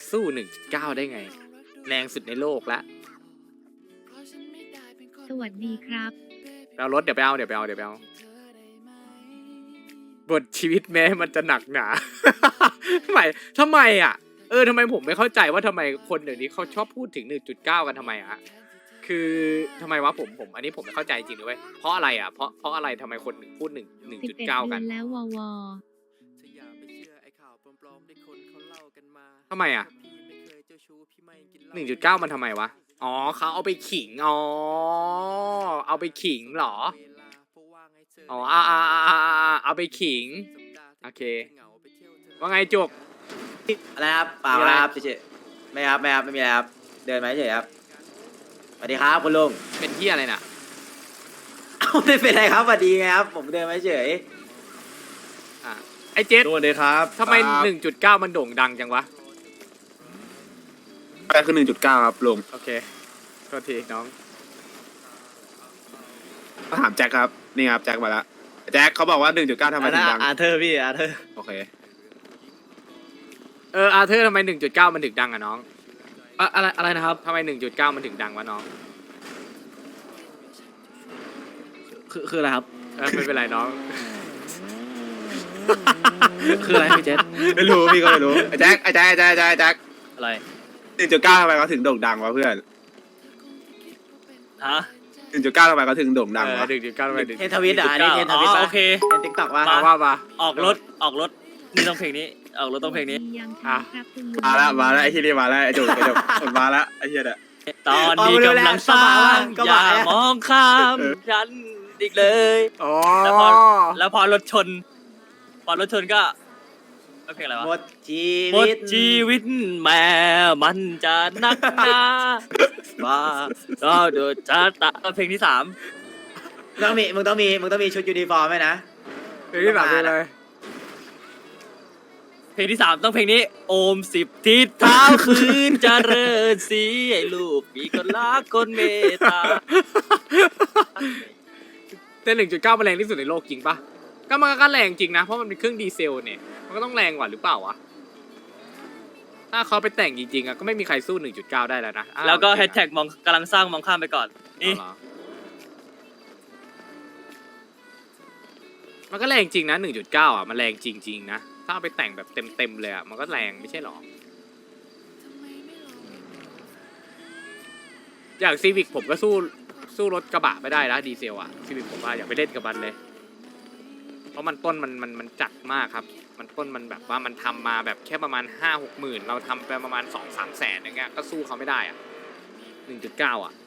สู้1.9ได้ไงแรงสุดในโลกละสวัสดีครับไปเอารถเดี๋ยวไปเอาบทชีวิตแม้มันจะหนักหนา ทำไมอ่ะทำไมผมไม่เข้าใจว่าทำไมคนเดี๋ยวนี้เขาชอบพูดถึง1.9กันทำไมอะคือทำไมวะผมอันนี้ผมไม่เข้าใจจริงด้วยเพราะอะไรอ่ะเพราะอะไรทำไมคนพูด 11 1.9 เดืกัอน นแล้วววทำไมอ่ะ1.9มันทำไมวะอ๋อเขาเอาไปขิงเอาไปขิงเหรออ๋อเอาไปขิงโอเคว่าไงจุกอะไรครับเปล่าครับเฉยๆไม่ครับไม่มีอะไรครับเดินมาเฉยครับสวัสดีครับคุณลุงเป็นที่อะไรน่ะไม่เป็นไรครับสวัสดีครับผมเดินมาเฉยไอเจสสวัสดีครับทำไม1.9มันโด่งดังจังวะอะไรคือ1.9ครับลุงโอเคโทษทีน้องก็ถามแจ็คครับนี่ครับแจ็คมาแล้วแจ็คเขาบอกว่า1.9ทำไมถึงดังอาเธอร์พี่อาเธอร์โอเคอาเธอร์ทำไม1.9มันถึงดังอะน้องอะไรนะครับทำไม1.9มันถึงดังวะน้องคืออะไรครับไม่เป็นไรน้องคืออะไรพี่เจษไม่รู้พี่ก็ไม่รู้ไอ้แจ็คอะไร 1.9ทำไมเขาถึงโด่งดังวะเพื่อนฮะ 1.9ทำไมเขาถึงโด่งดังวะ 1.9ทำไมถึงเทนทวิตอ่ะอันนี้เทนทวิตอ๋อป่ะโอเคเทนติ๊กต็อกป่ะมาออกรถนี่ต้องเพลงนี้ออกรถต้องเพลงนี้ยังคอ่ะรับคุณลุงมาแล้วไอ้ที่นี่มาแล้วไอ้จุกมาแล้วไอ้เหี้ยเนี่ยตอนนี้กำลังสร้างอย่ามองข้ามฉันอีกเลยอ๋อแล้วพอรถชนก็เพลงอะไรวะหมดชีหมวิดตชีวิตแม่มันจะนักหนาว่าก็เดือดจะตะเพลงที่ 3 มึงต้องมีชุดยูนิฟอร์มไหมนะเพลงที่สามเป็นอะไรเพลงที่ 3ต้องเพลงนี้โอม10 ทิศเท้าคืนเจริญสีให้ลูกมีคนรักคนเมตตาแต่1.9มันแรงที่สุดในโลกจริงปะมันก็แรงจริงนะเพราะมันเป็นเครื่องดีเซลเนี่ยมันก็ต้องแรงกว่าหรือเปล่าวะถ้าเขาไปแต่งจริงๆอะก็ไม่มีใครสู้1.9ได้แล้วนะแล้วก็แฮชแท็กกำลังสร้างมองข้ามไปก่อนนี่เอาเหรอมันก็แรงจริงนะ1.9อ่ะมันแรงจริงๆนะถ้าเอาไปแต่งแบบเต็มเลยอ่ะมันก็แรงไม่ใช่หรออย่างซีวิกผมก็สู้รถกระบะไม่ได้นะดีเซลอ่ะซีวิกผมว่าอย่าไปเล่นกับมันเลยเพราะมันต้นมันจัดมากครับมันต้นมันแบบว่ามันทำมาแบบแค่ประมาณ5-6 หมื่นเราทำไปประมาณ2-3 แสนอย่างเงี้ยก็สู้เขาไม่ได้อ่ะ1.9อ่ะ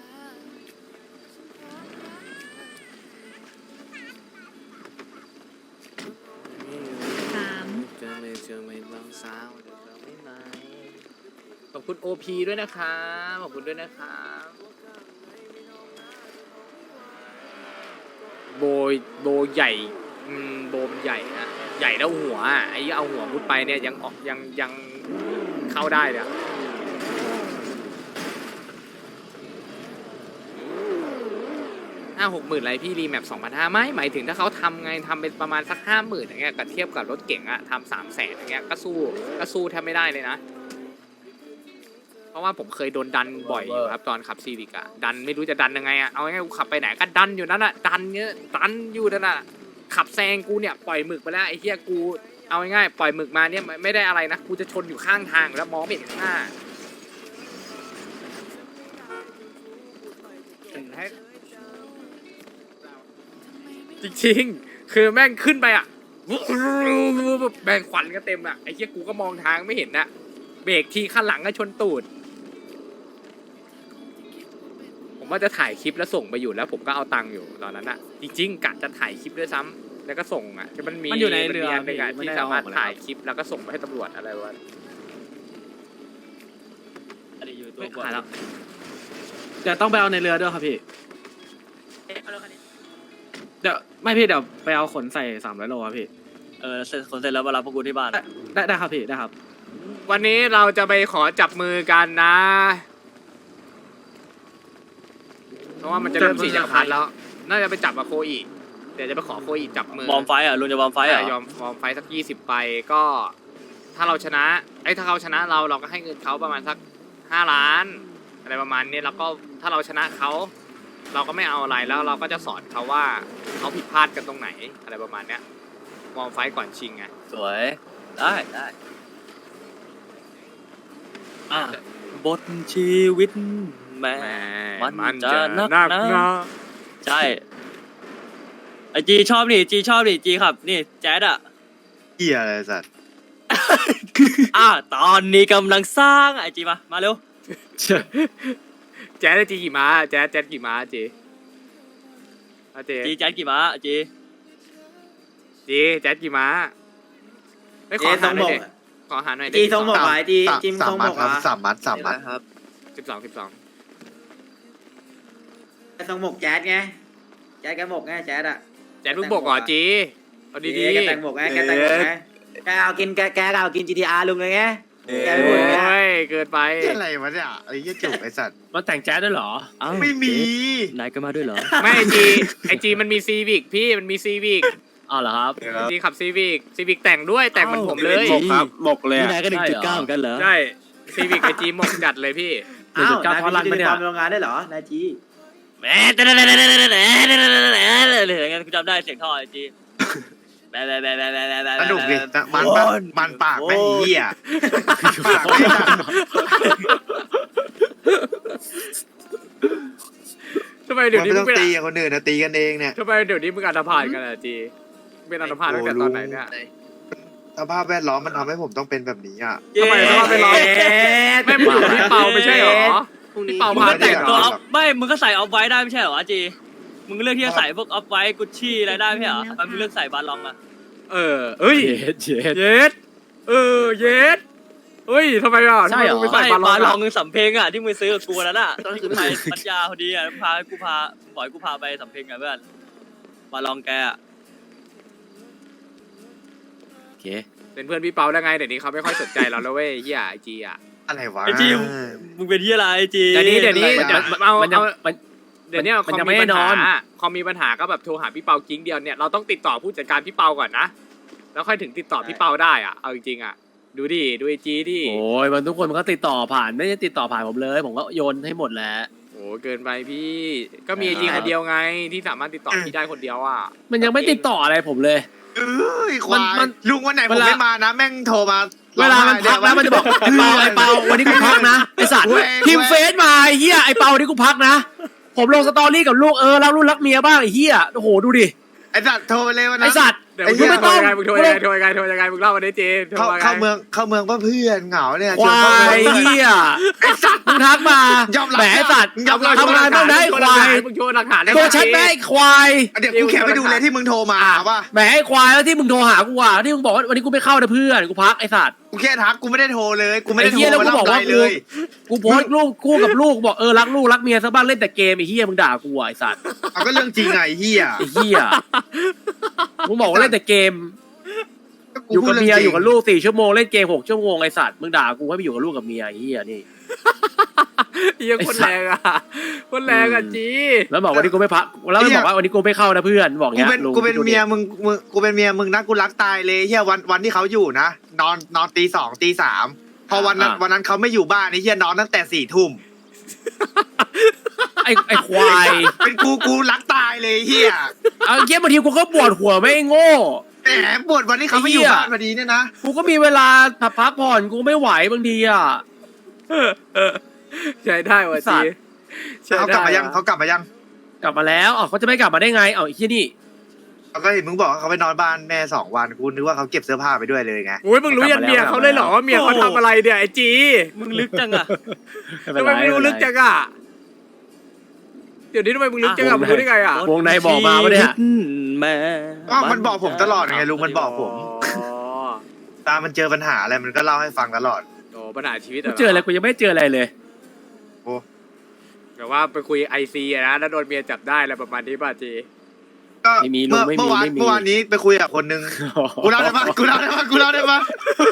ขอบคุณ OP ด้วยนะครับขอบคุณด้วยนะครับโบใหญ่โบมันใหญ่นะใหญ่แล้วหัวไอ้เอาหัวมุดไปเนี่ยยังเข้าได้เลยอะ5-6 หมื่นอะไรพี่รีแมป2,500ไม่หมายถึงถ้าเขาทำไงทำเป็นประมาณสัก50,000อย่างเงี้ยกับเทียบกับรถเก๋งอะทำ300,000อย่างเงี้ยก็สู้แทบไม่ได้เลยนะเพราะว่าผมเคยโดนดันบ่อยอยู่ครับตอนขับซีวิกอะดันไม่รู้จะดันยังไงอะเอาง่ายๆกูขับไปไหนก็ดันอยู่นั่นอะดันอยู่นั่นอะขับแซงกูเนี่ยปล่อยหมึกไปแล้วไอ้เหี้ยกูเอาง่ายๆปล่อยหมึกมาเนี่ยไม่ได้อะไรนะกูจะชนอยู่ข้างทางแล้วมองไม่เห็นข้างหน้าจริงๆคือแม่งขึ้นไปอะแบ่งควันก็เต็มอะไอ้เหี้ยกูก็มองทางไม่เห็นนะเบรกทีข้างหลังก็ชนตูดผมว่าจะถ่ายคลิปแล้วส่งไปอยู่แล้วผมก็เอาตังค์อยู่ตอนนั้นอะจริงๆกะจะถ่ายคลิปด้วยซ้ำแล้วก็ส่งอะที่มันมันอยู่ในเรืออันหนึ่งอะไม่ที่ได้สามารถเอาออกถ่ายคลิปแล้วก็ส่งไปให้ตำรวจอะไรวะอันนี้อยู่ตัวไม่บนขายแล้วเดี๋ยวต้องไปเอาในเรือด้วยครับพี่เดี๋ยวไม่พี่เดี๋ยวไปเอาขนใส่300 โลครับพี่เสร็จคนเสร็จแล้วมารับพวกกูที่บ้านได้ครับพี่ได้ครับวันนี้เราจะไปขอจับมือกันนะ เพราะว่ามันจะเริ่ม4 จักรพรรดิแล้ว น่าจะไปจับกับโคอีเดี๋ยวจะไปขอโคอีจับมือบอมไฟอ่ะลุงจะบอมไฟอ่ะยอมไฟสัก20 ไปก็ถ้าเราชนะถ้าเขาชนะเราก็ให้เงินเขาประมาณสัก5 ล้านอะไรประมาณนี้แล้วก็ถ้าเราชนะเขาเราก็ไม่เอาอะไรแล้วเราก็จะสอนเขาว่าเขาผิดพลาดกันตรงไหนอะไรประมาณเนี้ยมองไฟต์ก่อนชิงไงสวยได้อ่ะบทชีวิตแม่ มันจะนักหนา ใช่ไอจีชอบนี่จีครับนี่แจ๊ดอ่ะเหี้ยอะไรสัตว์ตอนนี้กำลังสร้างไอจีมาเร็วแจ๊ดจีกี่ม้าแจ๊ดกี่ม้าจีเจจีแจ๊ดกี่ม้าจีแจ๊ดกี่ม้าไม่เจขอทรหาง หหมน่อยกดิขอหาหน่อยดิจีทรงหมกเหรอจีจิมทรงหมกเหรอ 3 มัดครับ 12 ทรงหมกแจ๊ดไงแจ๊ดแกหมกไงแจ๊ดอะแจ๊ดเพิ่งบอกเหรอจีเอาดีแกแต่งหมกไงแกแต่งหมกไงแกเอากิน GTR ลุงเลยไงแกๆพูดอย่างเงี้ยโอ้ยเกินไปอะไรวะเนี่ยไอ้เหี้ยจุกไอ้สัตว์มันแต่งแจ๊สด้วยเหรออ้าวไม่มีนายก็มาด้วยเหรอไม่ไอจีมันมีซีวิกพี่มันมีซีวิกอ้าวเหรอครับจีขับซีวิกแต่งด้วยแต่งเหมือนผมเลยหมกครับหมกเลยนี่อะนายก็1.9เหมือนกันเหรอใช่ซีวิกไอจีหมกจัดเลยพี่อ้าว 1.9 นายท่อลั่นมีปะเนี่ยความโรงงานได้เหรอนายจีแหมงั้นกูจำได้เสียงท่อไอจีแบสนุกดิมันปากแม่งเหี้ยปากไม่ดังทำไมเดี๋ยวมันนี้ไม่มึต้อง งเป็นตีกับคนอื่นนะตีกันเองเนี่ยทำไมเดี๋ยวนี้มึงอันธพาลกันอะจีเป็นอันธพาลตั้งแต่ตอนไหนเนี่ยสภาพแวดล้อมมันทำให้ผมต้องเป็นแบบนี้อ่ะทำไมสภาพแวดล้อม ไม่มึงอยู่กับพี่เปาไม่ใช่เหรอพี่เปามึงพาก็แต่งเหรตัวอออฟไม่มึงก็ใส่ออฟไว้ได้ไม่ใช่เหรอจีมึงเลือกที่จะใส่พวกออฟไว้กุชชี่อะไรได้ไม่ใช่เหรอทำไมมึงเลือกใส่บาลองอะเอ้ยเย็ดเย็ดเย็ดเฮ้ยทำไมอ่ะใช่เหรอทำไมมึงไปใส่ใส่บาบาลลออง งสำเพ็งอะที่มึงซื้อกับกูนั่นอะตอนนั้นกูไปปัญญาพอดีอะพาบ่อยกูพาไปสำเพ็งอะเพื่อนบาลองแกอะโอเคเป็นเพื่อนพี่เปาได้ไงเดี๋ยวนี้เขาไม่ค่อยสนใจเราแล้วเว้ยเฮียไอจีอ่ะอะไรวะไอจีมึงเป็นที่อะไรไอจีเดี๋ยวนี้มันจะเอามันยังเอามันเดี๋ยวนี้คมันอมยังมีไม่ปัญได้นหาอนคอมมีปัญหาก็แบบโทรหาพี่เปากิ้งเดียวเนี่ยเราต้องติดต่อผู้จัดการพี่เปาก่อนนะแล้วค่อยถึงติดต่อพี่เปาได้อ่ะเอาจริงๆอ่ะดูไอจีดิโอ้ยมันทุกคนมันก็ติดต่อผ่านไม่ได้ติดต่อผ่านผมเลย ผมก็โยนให้หมดแหล้วโอ้เกินไปพี่ก็มีไอจีคนเดียวไงที่สามารถติดต่อพี่ได้คนเดียวอ่ะมันยังไม่ติดต่ออะไรผมเลยเอ้ยความัยนลุงวันไหนผมเวลาไม่มานะ แม่งโทรมาเวลามันพักแล้วมันจะบอกไอ้เปาวันนี้กูพักนะไอสัตว์พิมพ์เฟซมาไอ้เหี้ยไอ้เปาวันนี้กูพักนะ ผมลงสตอรี่กับลูกรักลูกรักเมียบ้างไอ้เหี้ยโอ้โหดูดิไอ้สัตว์โทรไปเลยวันไอ้นั้นสัตว์เดี๋ยวไอ้มึเหี้งยโทรยังไงมึงโทรยังไงมึงเล่ามาได้เจโทรเข้ามาไงเข้าเมืองก็เพื่อนเหงาเนี่ยควายชวนเข้าเมืองเหี้ยมึงทักมายอมรับแหมไอ้สัตว์ยอมรับทำงานต้องได้ควายมึงโชว์หลักฐานได้ตัวชัดแม่ไอ้ควายเดี๋ยวกูแคปไปดูเลยที่มึงโทรมาป่ะแหมไอ้ควายแล้วที่มึงโทรหากูอ่ะที่มึงบอกว่าวันนี้กูไม่เข้านะเพื่อนกูพักไอ้สัตว์กูแค่ทักกูไม่ได้โทรเลยกูไม่ได้ไอ้โทรเหี้ยแล้วกูมาบอกว่าเลยกูโพสต์รูปคู่กับลูกบอกรักลูกรักเมียซะบ้างเล่นแต่เกมไอ้เหี้ยมึงด่ากูอ่ะไอ้สัตว์เอาก็เรื่องจริงไงไอ้เหี้ยไอ้เหี้ยมึงบอกว่าเล่นแต่เกมกูอยู่พูกัดบรื่งเมียจริงอยู่กับลูก4 ชั่วโมงเล่นเกม6 ชั่วโมงไอ้สัตว์มึงด่ากูให้ไปอยู่กับลูกกับเมียไอ้เหี้ยนี่เฮียคนแรงอ่ะคนแรงอ่ะจีแล้วบอกวันนี้กูไม่พักแล้วมันบอกว่าวันนี้กูไม่เข้านะเพื่อนบอกกูเงี้ยเป็นลุงกูเป็นเมียมึงกูเป็นเมียมึงนะกูรักตายเลยเฮียวันที่เขาอยู่นะนอนตี 2 ตี 3พอวันนั้นเขาไม่อยู่บ้านไอ้เฮียนอนตั้งแต่4 ทุ่มไอ้ควายเป็นกูรักตายเลยเฮียเอาเงี้ยบางทีกูก็ปวดหัวไม่โง่แหมปวดวันที่เขาไม่อยู่บ้านพอดีเนี่ยนะกูก็มีเวลาพักผ่อนกูไม่ไหวบางทีอ่ะใช้ได้ว่ะสัจีตว์ใช้เขาได้กลับมายังเขากลับมายังกลับมาแล้วเขาจะไม่กลับมาได้ไงไอ้เหี้ยนี่เขาก็เห็นมึงบอกว่าเขาไปนอนบ้านแม่2 วันกูนึกว่าเขาเก็บเสื้อผ้าไปด้วยเลยไงโอ้ยมึงรู้ยันเมียเขาเลยเหรอว่าเมียเขาทำอะไรเนี่ยไอจีมึงลึกจังอะทำไมมึงรู้ลึกจังอ่ะเดี๋ยวนี้ทำไมมึงลึกจังอ่ะมึงรู้ได้ไงอ่ะวงในบอกมาปะเนี่ยแม่อ้าวมันบอกผมตลอดไงลุงมันบอกผมอ๋อตามันเจอปัญหาอะไรมันก็เล่าให้ฟังตลอดโอ้ปัญหาชีวิตกูเจออะไรกูยังไม่เจออะไรเลยแบบว่าไปคุยไอซีนะแล้วโดนเมียจับได้อะไรประมาณนี้ป่ะจีก็ไม่มีลุงไม่มีเมื่อวานไม่มีเมื่อวานนี้ไปคุยกับคนนึงกูเล่าได้ปะกูเล่าได้ปะกูเล่าได้ปะ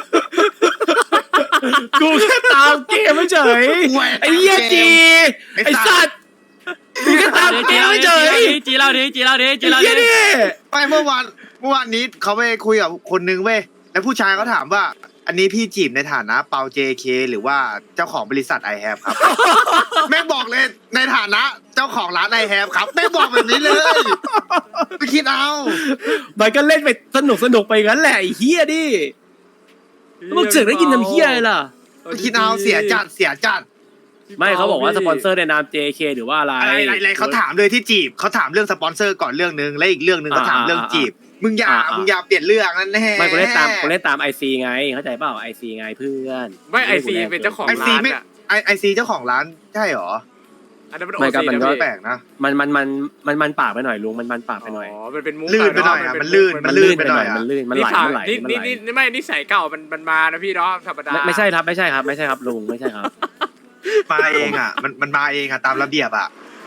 กูแค่ตามเกมไม่เฉยไอ้เหี้ยจีไอ้สัตว์กูแค่ตามเกมไม่เฉยจีเล่าดิจีเล่าดิจีไอ้เล่าเหี้ยดินี่ไม่เมื่อวานนี้เขาไปคุยกับคนนึงเว้ยแล้วผู้ชายเขาถามว่าอันนี้พี่จีบในฐานะเปา JK หรือว่าเจ้าของบริษัท I have ครับ แม่งบอกเลยในฐานะเจ้าของร้าน I have ครับแม่งบอกแบบนี้เลยไปคิดเอามันก็เล่นไปสนุกไปงั้นแหละไอ้เฮียดิแล้วมึงเสือกได้ยินทำเฮียอะไรล่ะไปคิดเอาเสียจัดไม่เขาบอกว่าสปอนเซอร์ในนาม JK หรือว่าอะไรอะไรเขาถามเลยที่จีบเขาถามเรื่องสปอนเซอร์ก่อนเรื่องนึงและอีกเรื่องนึงเขาถามเรื่องจีบมึงอย่าเปลี่ยนเรื่องนั่นแน่ไม่กูเล่นตาม IC ไงเข้าใจเปล่า IC ไงเพื่อนไม่ไอซีเป็นเจ้าของร้านอ่ะไอซีเจ้าของร้านใช่หรออันนั้นมันโอไม่ซีก็มันนะก็พี่แปลกนะมันปากไปหน่อยลุงมันปากไปหน่อยอ๋อมันเป็นมุกลื่นไปหน่อยะอ่ะเาะมันลื่นมันลื่นไปหน่อยมันลื่นมันไหลนี่ไม่นิสัยเก่ามันมานะพี่เนาะธรรมดาไม่ใช่ครับลุงไม่ใช่ครับมาเองอ่ะมันมาเองอ่ะตามระเบียบอ่ะ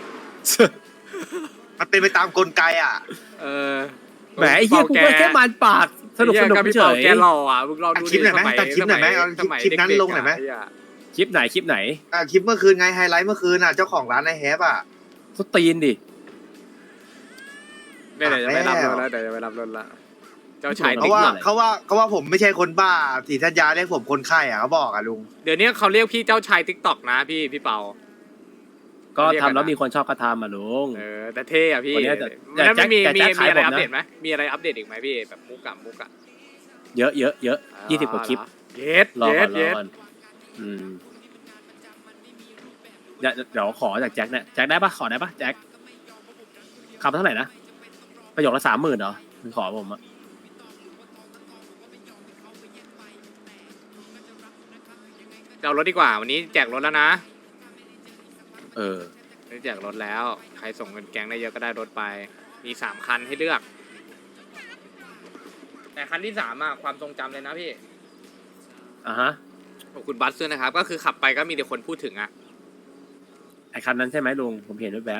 มันเป็นไปตามกลไกอ่ะเออแหมไอ้เหี้ยกูก็แค่มันปากสนุกกับพี่เฉเปาย แกหล่ออ่ะมึงลองดูคลิปหน่อยไหมตัดคลิปหน่อยไหมเอาสมัยคลิปนั้นเด็กๆลงหน่อยไหมะเคลิปไหนคลิปเมื่อคืนไงไฮไลท์เมื่อคืนอ่ะเจ้าของร้านไอแฮปอ่ะเขาตีนดิเดี๋ยวจะไปรับรถแล้วเดี๋ยวจะไปรับรถละเจ้าชายเพติ๊ราะกว่าต็อกเขาว่าผมไม่ใช่คนบ้าสีทัญญาเรียกผมคนไข้อ่ะเขาบอกอ่ะลุงเดี๋ยวนี้เขาเรียกพี่เจ้าชายติ๊กต็อกนะพี่เปาก็ทำแล้วมีคนชอบกระทำอ่ะลุงเออแต่เท่อะพี่วันนี้แล้วไม่มีแต่แจ็คขายอะไรผมนะอัปเดตไหมมีอะไรอัปเดตอีกไหมพี่แบบมุกอะเยอะ20 กว่าคลิปเย็ดรอเย็ก่อดนเย็ดเดี๋ยวขอจากแจ็คเนี่ยแจ็คได้ปะขอได้ปะแจ็คคำเท่าไหร่นะประโยคละ30,000เหรอมึงขอผมอะเอารถดีกว่าวันนี้แจกรถแล้วนะเออวันนี้แจกรถแล้วใครส่งเงินแก๊งได้เยอะก็ได้รถไปมี3 คันให้เลือก แต่คันที่3อะความทรงจำเลยนะพี่อ่ะฮะขอบคุณบัสด้วยนะครับ ก็คือขับไปก็มีแต่คนพูดถึงอะไอคันนั้นใช่ไหมลุงผมเห็นด้วยแบบ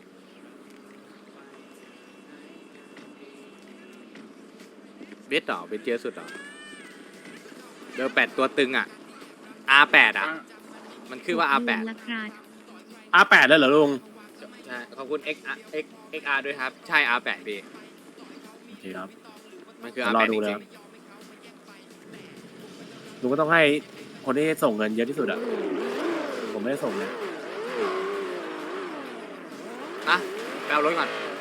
เบสต่อเป็นเจอสุดเหรอเบอร์8ตัวตึงอะ R8 อะมันคือว่า R8 R8แล้วเหรอลุงใช่ขอบคุณ XR ด้วยครับ ใช่ R8 พี่โอเคครับมันคือเดี๋ยวรอ R8 ดูจแล้ริวงลุงก็ต้องให้คนที่ส่งเงินเยอะที่สุดอะผมไม่ได้ส่งเลยๆนะไปเอารถก่อน